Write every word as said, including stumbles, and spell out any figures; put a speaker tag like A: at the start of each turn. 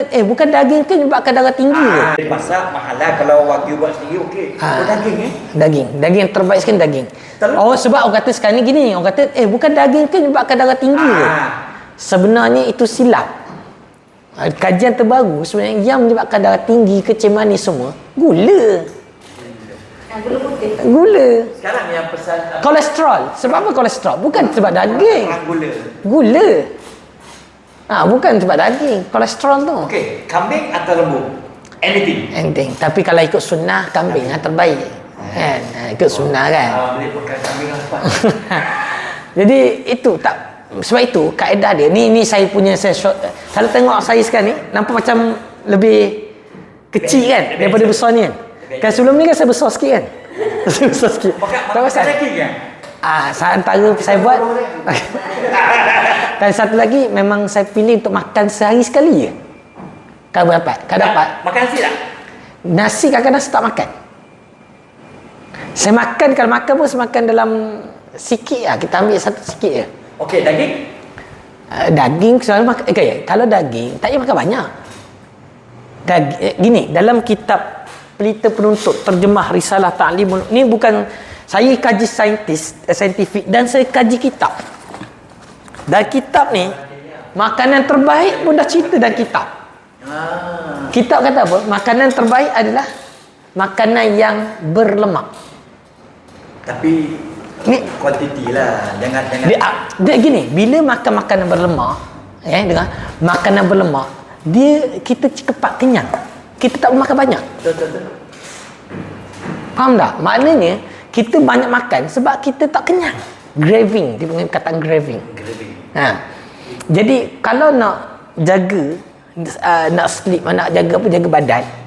A: Eh, bukan daging ke menyebabkan darah tinggi ke?
B: Ah, masak mahalah kalau wagyu buat sendiri okey.
A: Ah.
B: Oh, daging eh.
A: Daging. Daging yang terbaik sekali daging.
B: Telur?
A: Oh, sebab orang kata sekarang ni gini. Orang kata, eh, bukan daging ke menyebabkan darah tinggi ke?
B: Ah.
A: Sebenarnya itu silap. Ah, Kajian terbaru sebenarnya yang menyebabkan darah tinggi, kecil manis semua, gula.
C: Gula putih.
A: Gula.
B: Sekarang yang pesan
A: Kolesterol. Sebab apa kolesterol? Bukan sebab daging.
B: perang gula.
A: Gula. Ah, bukan sebab daging. Kolesterol tu.
B: Okey, kambing atau lembu? Anything.
A: Anything. Tapi kalau ikut sunnah, kambing yang terbaik. Kan? Ha, ikut sunnah kan.
B: Ah, boleh pakai kambing apa?
A: Jadi itu tak, sebab itu kaedah dia ni ni saya punya saya short, kalau tengok saya sekarang ni nampak macam lebih kecil kan daripada besar ni kan. Kan sebelum ni kan saya besar sikit kan. Saya besar sikit.
B: Makan
A: Tak
B: makan
A: pasal.
B: daging kan?
A: Ah, saya antara saya buat. Dan satu lagi memang saya pilih untuk makan sehari sekali je. Kalau dapat, kalau dapat.
B: Makan nasi tak?
A: Nasi kadang-kadang saya tak makan. Saya makan, kalau makan pun saya makan dalam sikit lah. Kita ambil satu sikit je.
B: Okey, daging?
A: Uh, daging selalu makan, eh, okay, kalau daging tak payah makan banyak. Daging, eh, gini, dalam kitab Pelita Penuntut Terjemah Risalah Ta'limul, ni bukan saya kaji saintis, eh, saintifik dan saya kaji kitab. Dan kitab ni makanan terbaik pun dah cerita dalam kitab.
B: Ah.
A: Kitab kata apa? Makanan terbaik adalah makanan yang berlemak.
B: Tapi
A: Ni
B: kuantiti lah. Jangan jangan.
A: dia, dia gini, bila makan makanan berlemak, ya, dengan makanan berlemak, dia kita cepat kenyang. Kita tak makan banyak.
B: Betul betul. betul.
A: Faham tak? Maknanya kita banyak makan sebab kita tak kenyang. Craving, dia panggil kataan craving.
B: Gravy.
A: Ha. Jadi kalau nak jaga uh, nak sleep, nak jaga apa, jaga badan,